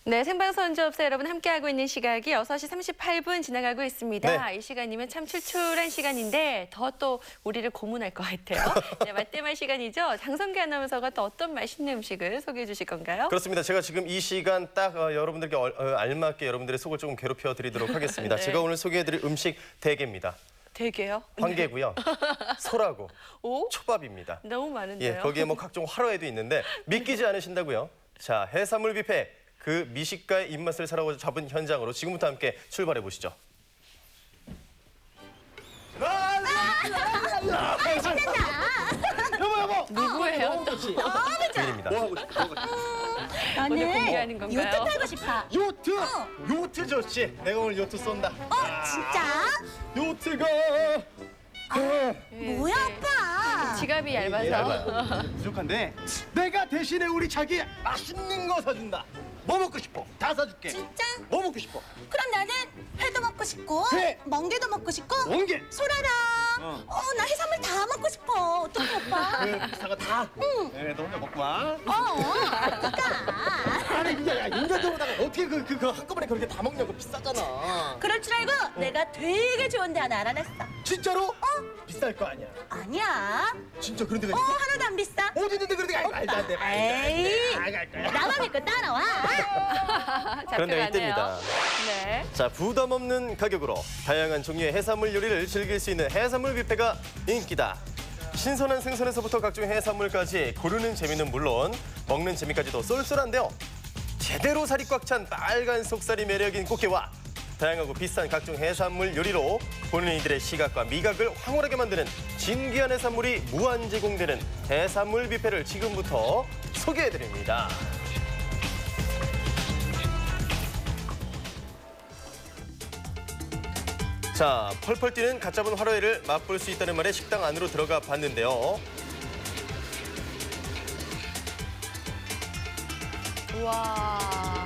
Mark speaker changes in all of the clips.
Speaker 1: 네, 생방송주업소 여러분 함께하고 있는 시각이 6시 38분 지나가고 있습니다.
Speaker 2: 네.
Speaker 1: 이 시간이면 참 출출한 시간인데 더 또 우리를 고문할 것 같아요. 네, 맛대맛 시간이죠. 장성기 아나운서가 또 어떤 맛있는 음식을 소개해 주실 건가요?
Speaker 2: 그렇습니다. 제가 지금 이 시간 딱 여러분들께 알맞게 여러분들의 속을 조금 괴롭혀 드리도록 하겠습니다.
Speaker 1: 네.
Speaker 2: 제가 오늘 소개해드릴 음식 대게입니다.
Speaker 1: 되게요?
Speaker 2: 황게고요. 소라고,
Speaker 1: 오?
Speaker 2: 초밥입니다.
Speaker 1: 너무 많은데요.
Speaker 2: 예, 거기에 뭐 각종 화로회도 있는데 믿기지 않으신다고요? 자, 해산물 뷔페 그 미식가의 입맛을 사로잡은 현장으로 지금부터 함께 출발해 보시죠.
Speaker 3: 여보.
Speaker 1: 누구예요?
Speaker 2: 주인입니다.
Speaker 3: 뭐 하고 싶어?
Speaker 1: 오늘 공개하는
Speaker 4: 나는
Speaker 1: 건가요?
Speaker 4: 요트 타고 싶어.
Speaker 3: 요트. 요트 좋지. 내가 오늘 요트 쏜다.
Speaker 4: 진짜?
Speaker 3: 요트가
Speaker 4: 뭐야, 오빠?
Speaker 1: 지갑이 얇아서.
Speaker 3: 얇아요. 부족한데 내가 대신에 우리 자기 맛있는 거 사준다. 뭐 먹고 싶어? 다 사줄게.
Speaker 4: 진짜?
Speaker 3: 뭐 먹고 싶어?
Speaker 4: 그럼 나는 회도 먹고 싶고,
Speaker 3: 회.
Speaker 4: 멍게도 먹고 싶고,
Speaker 3: 멍게.
Speaker 4: 소라랑, 나 해산물 다 먹고 싶어. 어떡해, 오빠?
Speaker 3: 그 비싼 거 다. 네, 너 혼자 먹고 와.
Speaker 4: 어떡하.
Speaker 3: 아니 야 인간적으로다가 어떻게 그거 한꺼번에 그렇게 다 먹냐고 비싸잖아.
Speaker 4: 그럴 줄 알고 내가 되게 좋은 데 하나 알아냈어.
Speaker 3: 진짜로? 비쌀 거 아니야.
Speaker 4: 아니야.
Speaker 3: 진짜 그런 데가 있어?
Speaker 4: 하나도 안 비싸.
Speaker 3: 어디 있는데 그런 데가 말도 안 돼.
Speaker 4: 에이.
Speaker 3: 갈 거야.
Speaker 4: 나만 믿고 따라와.
Speaker 2: 그런데
Speaker 1: 잡혀가네요.
Speaker 2: 이때입니다.
Speaker 1: 네.
Speaker 2: 자, 부담 없는 가격으로 다양한 종류의 해산물 요리를 즐길 수 있는 해산물 뷔페가 인기다. 신선한 생선에서부터 각종 해산물까지 고르는 재미는 물론 먹는 재미까지도 쏠쏠한데요. 제대로 살이 꽉 찬 빨간 속살이 매력인 꽃게와 다양하고 비싼 각종 해산물 요리로 본인들의 시각과 미각을 황홀하게 만드는 진귀한 해산물이 무한 제공되는 해산물 뷔페를 지금부터 소개해드립니다. 자, 펄펄 뛰는 갓 잡은 화로회를 맛볼 수 있다는 말에 식당 안으로 들어가 봤는데요.
Speaker 1: 우와.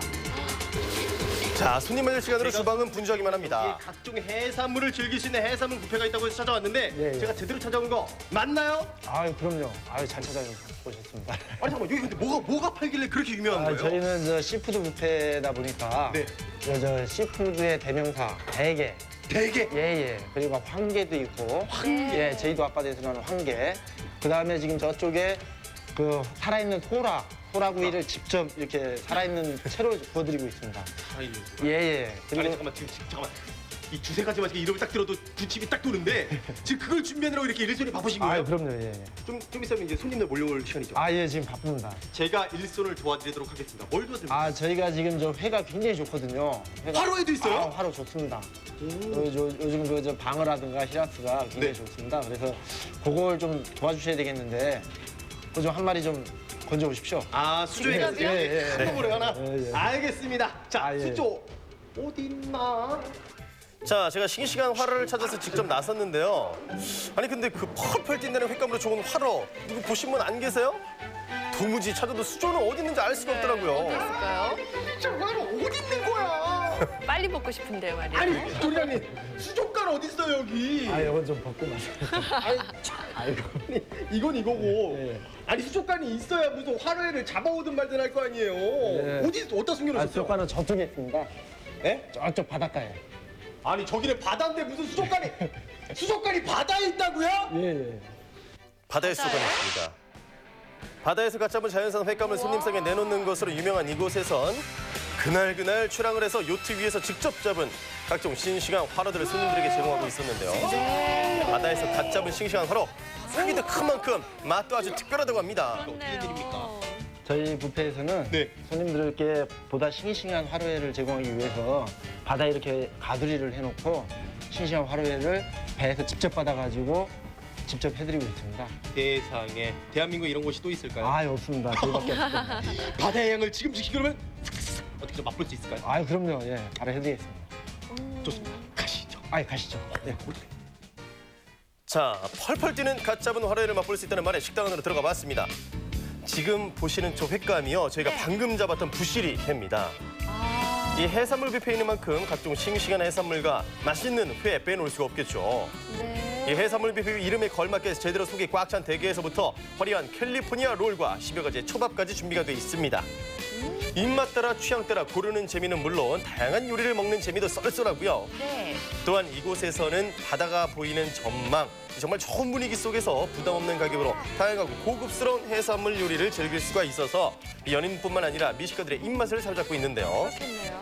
Speaker 2: 자, 손님 맞을 시간으로 주방은 분주하기만
Speaker 3: 여기에
Speaker 2: 합니다.
Speaker 3: 각종 해산물을 즐길 수 있는 해산물 뷔페가 있다고 해서 찾아왔는데
Speaker 5: 예.
Speaker 3: 제가 제대로 찾아온 거 맞나요?
Speaker 5: 아유 그럼요. 아유 잘 찾아오셨습니다.
Speaker 3: 아니 잠깐만 여기 근데 뭐가 팔길래 그렇게 유명한 거예요?
Speaker 5: 저희는 저 시푸드 뷔페다 보니까
Speaker 3: 네.
Speaker 5: 저 시푸드의 대명사 대게
Speaker 3: 되게
Speaker 5: 예예 그리고 황게도 있고
Speaker 1: 황게.
Speaker 5: 예 제주도 앞바다에서 나는 황게 그 다음에 지금 저쪽에 그 살아있는 소라구이를 직접 이렇게 살아있는 채로 구워드리고 있습니다. 예예
Speaker 3: 아니
Speaker 5: 그리고
Speaker 3: 잠깐만 지금 잠깐만 이 두세 가지만 지금 이름을 딱 들어도 군침이 딱 도는데 지금 그걸 준비하느라고 이렇게 일손이 바쁘신 거예요?
Speaker 5: 아유 그럼요 예예
Speaker 3: 좀 있으면 이제 손님들 몰려올 시간이죠.
Speaker 5: 아예 지금 바쁩니다.
Speaker 3: 제가 일손을 도와드리도록 하겠습니다. 뭘 도와드립니까?
Speaker 5: 아 저희가 지금 저 회가 굉장히 좋거든요. 회가
Speaker 3: 화로회도 있어요?
Speaker 5: 아, 화로 좋습니다. 요즘 그 저 방어라든가 히라스가 굉장히
Speaker 3: 네.
Speaker 5: 좋습니다. 그래서 그걸 좀 도와주셔야 되겠는데 그 좀 한 마리 좀 건져 오십시오.
Speaker 3: 아 수조에 가서
Speaker 5: 예, 예, 예.
Speaker 3: 한꺼번에 하나?
Speaker 5: 예, 예.
Speaker 3: 알겠습니다. 자
Speaker 5: 아, 예.
Speaker 3: 수조 어디 있나?
Speaker 2: 자, 제가 싱싱한 화로를 찾아서 직접 나섰는데요. 아니, 근데 그 펄펄 뛴다는 횟감으로 좋은 화로, 이거 보신 분 안 계세요? 도무지 찾아도 수조는 어디 있는지 알 수가
Speaker 1: 어디
Speaker 2: 없더라고요.
Speaker 1: 있을까요?
Speaker 3: 저 화로 어디 있는 거야?
Speaker 1: 빨리 먹고 싶은데요, 말이에요.
Speaker 3: 아니 도리장님 수족관 어디 있어 여기?
Speaker 5: 아 이건 좀 벗고 마세요.
Speaker 3: 아니, 아이고, 이건 이거고.
Speaker 5: 예.
Speaker 3: 아니 수족관이 있어야 무슨 화로회를 잡아오든 말든 할 거 아니에요.
Speaker 5: 예.
Speaker 3: 어디 어디다 숨겨놓으셨어요?
Speaker 5: 수족관은 저쪽에 있습니다.
Speaker 3: 예?
Speaker 5: 저쪽 바닷가에.
Speaker 3: 아니 저기는 바다인데 무슨 수족관이 바다에 있다고요?
Speaker 5: 예예.
Speaker 2: 바다의 수도관이 있습니다. 바다에서 갓 잡은 자연산 횟감을 손님상에 내놓는 것으로 유명한 이곳에선 그날 출항을 해서 요트 위에서 직접 잡은 각종 싱싱한 화로들을 손님들에게 제공하고 있었는데요. 바다에서 갓 잡은 싱싱한 화로, 크기도 큰 만큼 맛도 아주 특별하다고 합니다.
Speaker 1: 그렇네요.
Speaker 5: 저희 뷔페에서는
Speaker 3: 네.
Speaker 5: 손님들께 보다 싱싱한 화로회를 제공하기 위해서 바다에 이렇게 가두리를 해놓고 싱싱한 화로회를 배에서 직접 받아가지고 직접 해드리고 있습니다.
Speaker 3: 세상에 대한민국에 이런 곳이 또 있을까요?
Speaker 5: 아 없습니다. 저희밖에 없습니다.
Speaker 3: 바다의 향을 지금 즉시 그러면 어떻게 좀 맛볼 수 있을까요?
Speaker 5: 아 그럼요. 예, 바로 해드리겠습니다.
Speaker 3: 좋습니다. 가시죠.
Speaker 5: 아 가시죠. 예.
Speaker 2: 자, 펄펄 뛰는 갓 잡은 화로회를 맛볼 수 있다는 말에 식당 안으로 들어가 봤습니다. 지금 보시는 저 횟감이요, 저희가 방금 잡았던 부시리 회입니다. 이 해산물 뷔페에 있는 만큼 각종 싱싱한 해산물과 맛있는 회 빼놓을 수가 없겠죠. 이 해산물 뷔페 이름에 걸맞게 제대로 속이 꽉 찬 대게에서부터 화려한 캘리포니아 롤과 10여 가지의 초밥까지 준비가 돼 있습니다. 입맛 따라 취향 따라 고르는 재미는 물론 다양한 요리를 먹는 재미도 쏠쏠하고요.
Speaker 1: 네.
Speaker 2: 또한 이곳에서는 바다가 보이는 전망, 정말 좋은 분위기 속에서 부담 없는 가격으로 다양하고 고급스러운 해산물 요리를 즐길 수가 있어서 연인뿐만 아니라 미식가들의 입맛을 사로잡고 있는데요.
Speaker 1: 그렇겠네요.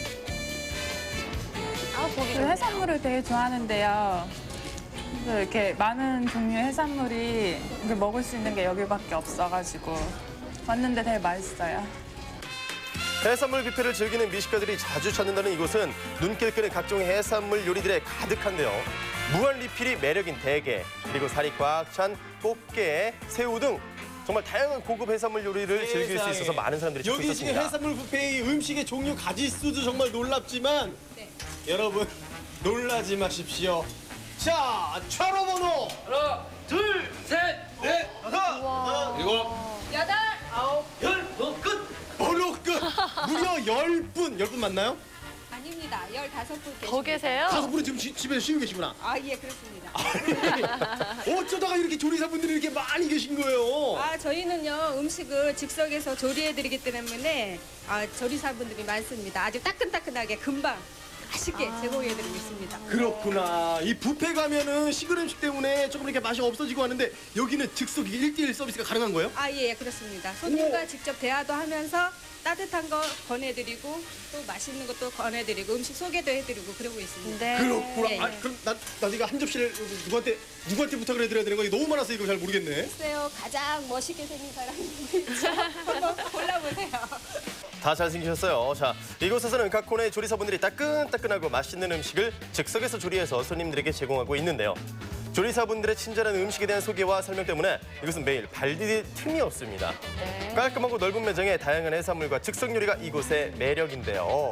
Speaker 1: 아, 보기
Speaker 6: 그
Speaker 1: 좋네요.
Speaker 6: 해산물을 되게 좋아하는데요. 그래서 이렇게 많은 종류의 해산물이 이렇게 먹을 수 있는 게 여기밖에 없어가지고 왔는데 되게 맛있어요.
Speaker 2: 해산물 뷔페를 즐기는 미식가들이 자주 찾는다는 이곳은 눈길 끄는 각종 해산물 요리들에 가득한데요. 무한 리필이 매력인 대게, 그리고 살이 꽉 찬 꽃게, 새우 등 정말 다양한 고급 해산물 요리를 즐길 수 있어서 많은 사람들이 찾고
Speaker 3: 여기 지금
Speaker 2: 있었습니다.
Speaker 3: 해산물 뷔페의 음식의 종류 가짓수도 정말 놀랍지만 여러분 놀라지 마십시오. 자, 차로 번호 하나, 둘, 셋, 넷, 다섯, 일곱,
Speaker 4: 여덟,
Speaker 3: 열, 끝! 번호 끝! 무려 10분! 10분 맞나요?
Speaker 4: 아닙니다. 15분
Speaker 1: 더 계세요?
Speaker 3: 5분은 지금 집에서 쉬고 계시구나.
Speaker 4: 아, 예, 그렇습니다.
Speaker 3: 어쩌다가 이렇게 조리사분들이 이렇게 많이 계신 거예요?
Speaker 4: 아, 저희는요, 음식을 즉석에서 조리해드리기 때문에 조리사분들이 많습니다. 아주 따끈따끈하게 금방 맛있게 제공해드리고 있습니다.
Speaker 3: 그렇구나. 이 뷔페 가면은 식은 음식 때문에 조금 이렇게 맛이 없어지고 하는데 여기는 즉석 1대1 서비스가 가능한 거예요?
Speaker 4: 아, 예, 그렇습니다. 손님과 직접 대화도 하면서 따뜻한 거 권해드리고 또 맛있는 것도 권해드리고 음식 소개도 해드리고 그러고 있습니다.
Speaker 1: 네.
Speaker 3: 그렇구나.
Speaker 4: 예,
Speaker 3: 아,
Speaker 4: 예.
Speaker 3: 그럼 나 이거 한 접시를 누구한테 부탁을 해드려야 되는 거야? 너무 많아서 이거 잘 모르겠네.
Speaker 4: 글쎄요, 가장 멋있게 생긴 사람이 있죠. 한번 골라보세요.
Speaker 2: 다 잘생기셨어요. 자, 이곳에서는 각 코너의 조리사분들이 따끈따끈하고 맛있는 음식을 즉석에서 조리해서 손님들에게 제공하고 있는데요. 조리사분들의 친절한 음식에 대한 소개와 설명 때문에 이곳은 매일 발 디딜 틈이 없습니다.
Speaker 1: 네.
Speaker 2: 깔끔하고 넓은 매장에 다양한 해산물과 즉석 요리가 이곳의 매력인데요.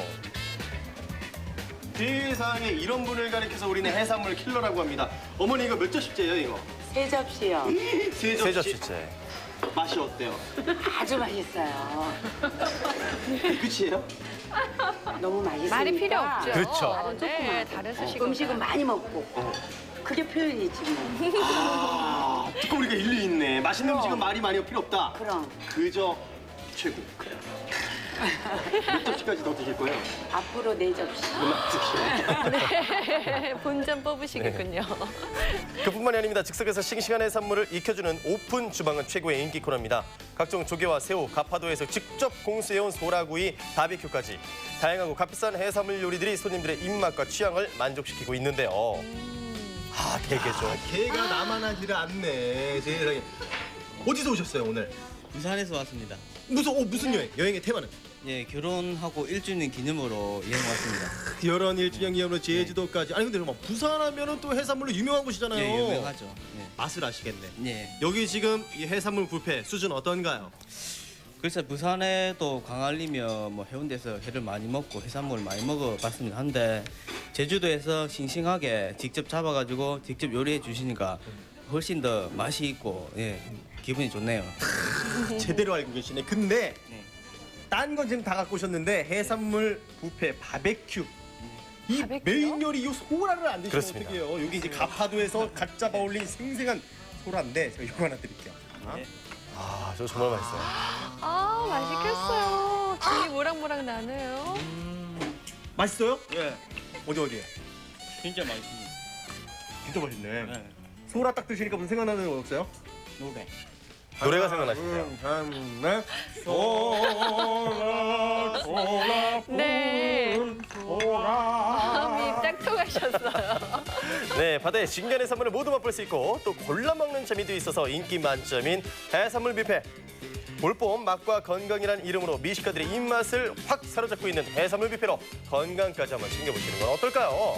Speaker 2: 세상에 이런 분을 가리켜서 우리는 해산물 킬러라고 합니다. 어머니 이거 몇 접시째예요 이거?
Speaker 7: 세 접시요.
Speaker 3: 세
Speaker 2: 세 접시째.
Speaker 3: 맛이 어때요?
Speaker 7: 아주 맛있어요.
Speaker 3: 끝이에요?
Speaker 7: 너무 맛있으니까.
Speaker 1: 말이 필요 없죠.
Speaker 2: 그렇죠.
Speaker 1: 네, 다른 수식어.
Speaker 7: 음식은 많이 먹고. 그게 표현이지 뭐.
Speaker 3: 아, 조금 우리가 일리 있네. 맛있는 음식은 말이 많이 필요 없다.
Speaker 7: 그럼
Speaker 3: 그저 최고. 몇 접시까지 더 드실 거예요?
Speaker 7: 앞으로 네 접시.
Speaker 1: 네, 본전 뽑으시겠군요.
Speaker 2: 그뿐만이 아닙니다. 즉석에서 싱싱한 해산물을 익혀주는 오픈 주방은 최고의 인기 코너입니다. 각종 조개와 새우, 가파도에서 직접 공수해온 소라구이, 바비큐까지 다양하고 값비싼 해산물 요리들이 손님들의 입맛과 취향을 만족시키고 있는데요. 아, 대게죠.
Speaker 3: 개가 나만하지를 않네. 세상에. 어디서 오셨어요 오늘?
Speaker 8: 부산에서 왔습니다.
Speaker 3: 무슨 여행? 여행의 테마는?
Speaker 8: 예, 결혼하고 1주년 기념으로 여행 왔습니다.
Speaker 3: 결혼 1주년 기념으로 제주도까지. 아니 근데 뭐 부산하면은 또 해산물로 유명한 곳이잖아요.
Speaker 8: 예, 유명하죠.
Speaker 3: 맛을 아시겠네.
Speaker 8: 예.
Speaker 3: 여기 지금 이 해산물 뷔페 수준 어떤가요?
Speaker 8: 그래서 부산에도 광안리며 뭐 해운대에서 회를 많이 먹고 해산물을 많이 먹어봤습니다. 한데 제주도에서 싱싱하게 직접 잡아가지고 직접 요리해 주시니까 훨씬 더 맛이 있고 예, 기분이 좋네요.
Speaker 3: 제대로 알고 계시네. 근데
Speaker 8: 네.
Speaker 3: 딴 건 지금 다 갖고 오셨는데 해산물 뷔페 바베큐. 이
Speaker 1: 바베큐요?
Speaker 3: 메인 요리 이 소라를 안 드시면
Speaker 2: 그렇습니다.
Speaker 3: 어떡해요? 여기 이제 가파도에서 갓 잡아 올린 생생한 소라인데 제가 이거 하나 드릴게요.
Speaker 8: 네.
Speaker 2: 아, 저 정말 맛있어요.
Speaker 1: 아, 맛있겠어요. 김이 모락모락 나네요.
Speaker 3: 맛있어요?
Speaker 8: 예,
Speaker 3: 어디?
Speaker 8: 진짜 맛있습니다.
Speaker 3: 진짜 맛있네.
Speaker 8: 네.
Speaker 3: 소라 딱 드시니까 무슨 생각나는 거 없어요?
Speaker 8: 노래.
Speaker 2: 노래가 생각나시네요.
Speaker 1: 네. 마음이 딱 통하셨어요.
Speaker 2: 네, 바다의 진간 해산물을 모두 맛볼 수 있고 또 골라 먹는 재미도 있어서 인기 만점인 해산물 뷔페. 올봄 맛과 건강이란 이름으로 미식가들의 입맛을 확 사로잡고 있는 해산물 뷔페로 건강까지 한번 챙겨보시는 건 어떨까요?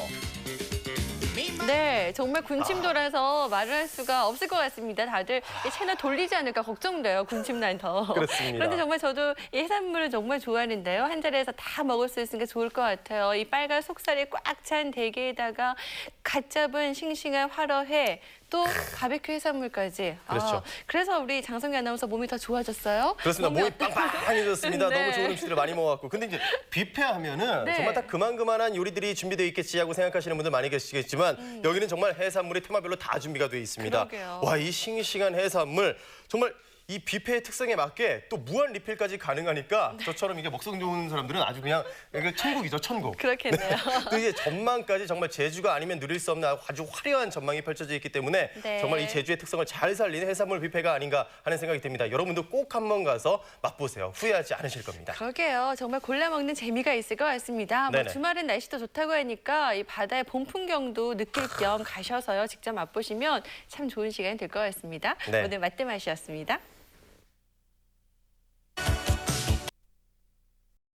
Speaker 1: 네, 정말 군침 돌아서 말을 할 수가 없을 것 같습니다. 다들 이 채널 돌리지 않을까 걱정돼요. 군침 난 더.
Speaker 2: 그렇습니다.
Speaker 1: 그런데 정말 저도 이 해산물을 정말 좋아하는데요. 한 자리에서 다 먹을 수 있으니까 좋을 것 같아요. 이 빨간 속살이 꽉 찬 대게에다가 갓 잡은 싱싱한 화로회, 또 바베큐 해산물까지.
Speaker 2: 그렇죠.
Speaker 1: 그래서 우리 장성기 아나운서 몸이 더 좋아졌어요?
Speaker 2: 그렇습니다. 몸이
Speaker 1: 어때요?
Speaker 2: 빵빵해졌습니다.
Speaker 1: 네.
Speaker 2: 너무 좋은 음식들을 많이 먹어갖고. 근데 이제 뷔페 하면은
Speaker 1: 네.
Speaker 2: 정말 딱 그만한 요리들이 준비되어 있겠지 하고 생각하시는 분들 많이 계시겠지만 여기는 정말 해산물이 테마별로 다 준비가 되어 있습니다.
Speaker 1: 그러게요.
Speaker 2: 와, 이 싱싱한 해산물 정말 이 뷔페의 특성에 맞게 또 무한 리필까지 가능하니까 저처럼 이게 먹성 좋은 사람들은 아주 그냥 이게 천국이죠, 천국.
Speaker 1: 그렇겠네요.
Speaker 2: 또 이제 전망까지 정말 제주가 아니면 누릴 수 없는 아주 화려한 전망이 펼쳐져 있기 때문에
Speaker 1: 네.
Speaker 2: 정말 이 제주의 특성을 잘 살리는 해산물 뷔페가 아닌가 하는 생각이 듭니다. 여러분도 꼭 한번 가서 맛보세요. 후회하지 않으실 겁니다.
Speaker 1: 그러게요. 정말 골라 먹는 재미가 있을 것 같습니다. 뭐
Speaker 2: 네네.
Speaker 1: 주말엔 날씨도 좋다고 하니까 이 바다의 봄 풍경도 느낄 겸 가셔서요. 직접 맛보시면 참 좋은 시간이 될 것 같습니다.
Speaker 2: 네.
Speaker 1: 오늘 맛대맛이었습니다.